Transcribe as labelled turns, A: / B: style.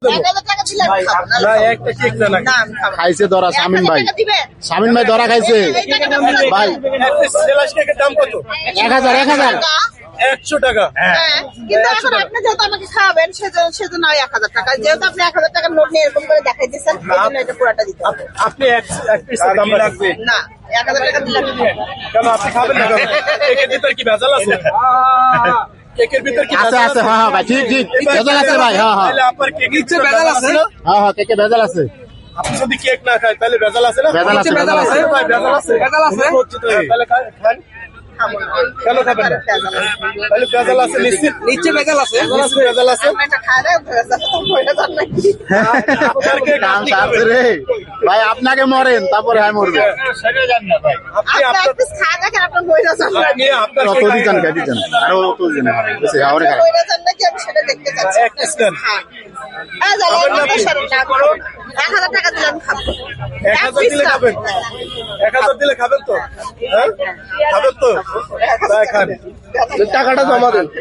A: খাইছে ধরা শামিন ভাই, শামিন ভাই ধরা খাইছে ভাই।
B: দাম কত?
A: 1000 1000
B: 100 টাকা।
C: কিন্তু এখন আপনি যেহেতু আমাকে খাওয়াবেন সেজন্য 1000 টাকা, যেহেতু আপনি 1000 টাকার নোট নিয়ে এরকম করে দেখাই দিচ্ছেন, সেজন্য এটা পুরোটা দিতে হবে।
B: আপনি এক পিসের দাম লাগবে
C: না, 1000 টাকা দিলে
B: কেন? আপনি খাবেন না কেন? কেকের ভিতরে কি ভেজাল আছে? কেকের ভিতরে কি
A: আছে আছে? হ্যাঁ ভাই, ঠিক ঠিক ভেজাল আছে ভাই। হ্যাঁ হ্যাঁ
B: তাহলে আপনার কেকের ভিতরে ভেজাল আছে না?
A: হ্যাঁ হ্যাঁ, কেকে ভেজাল আছে।
B: আপনি যদি কেক না খায় তাহলে ভেজাল আছে না?
A: ভেজাল আছে, ভেজাল আছে
B: ভাই, ভেজাল আছে, ভেজাল আছে। তাহলে খান। কেন খাবেন না? তাহলে ভেজাল আছে নিশ্চিত?
D: নিচে ভেজাল আছে,
B: ভেজাল আছে।
C: একটা খায় নাকি
B: আপনার কেক
A: কাম
B: আপনি
A: সারছে
B: খাবেন।
A: রে ভাই, আপনাকে মরেন তারপরে আমি মরবে।
B: আপনি
C: আপনি
B: আপনার
C: একটা খা দেখেন আপনার বইরা যান
B: আপনি আপনার
A: কত
B: কেক
A: দিচ্ছেন খাই দিচ্ছেন আরো কত দিচ্ছেন বেশি আরে খাই।
C: বইরা যান নাকি আমি সেটা দেখতে চাচ্ছি।
B: এক পিস খান।
C: হ্যাঁ জানেন, আমি সরব না করো। 1000 টাকা দিলে আমি খাবো।
B: 1000 দিলে খাবেন? 1000 দিলে খাবেন তো? হ্যাঁ খাবেন তো? তাই খান।
A: টাকাটা জমা দেন।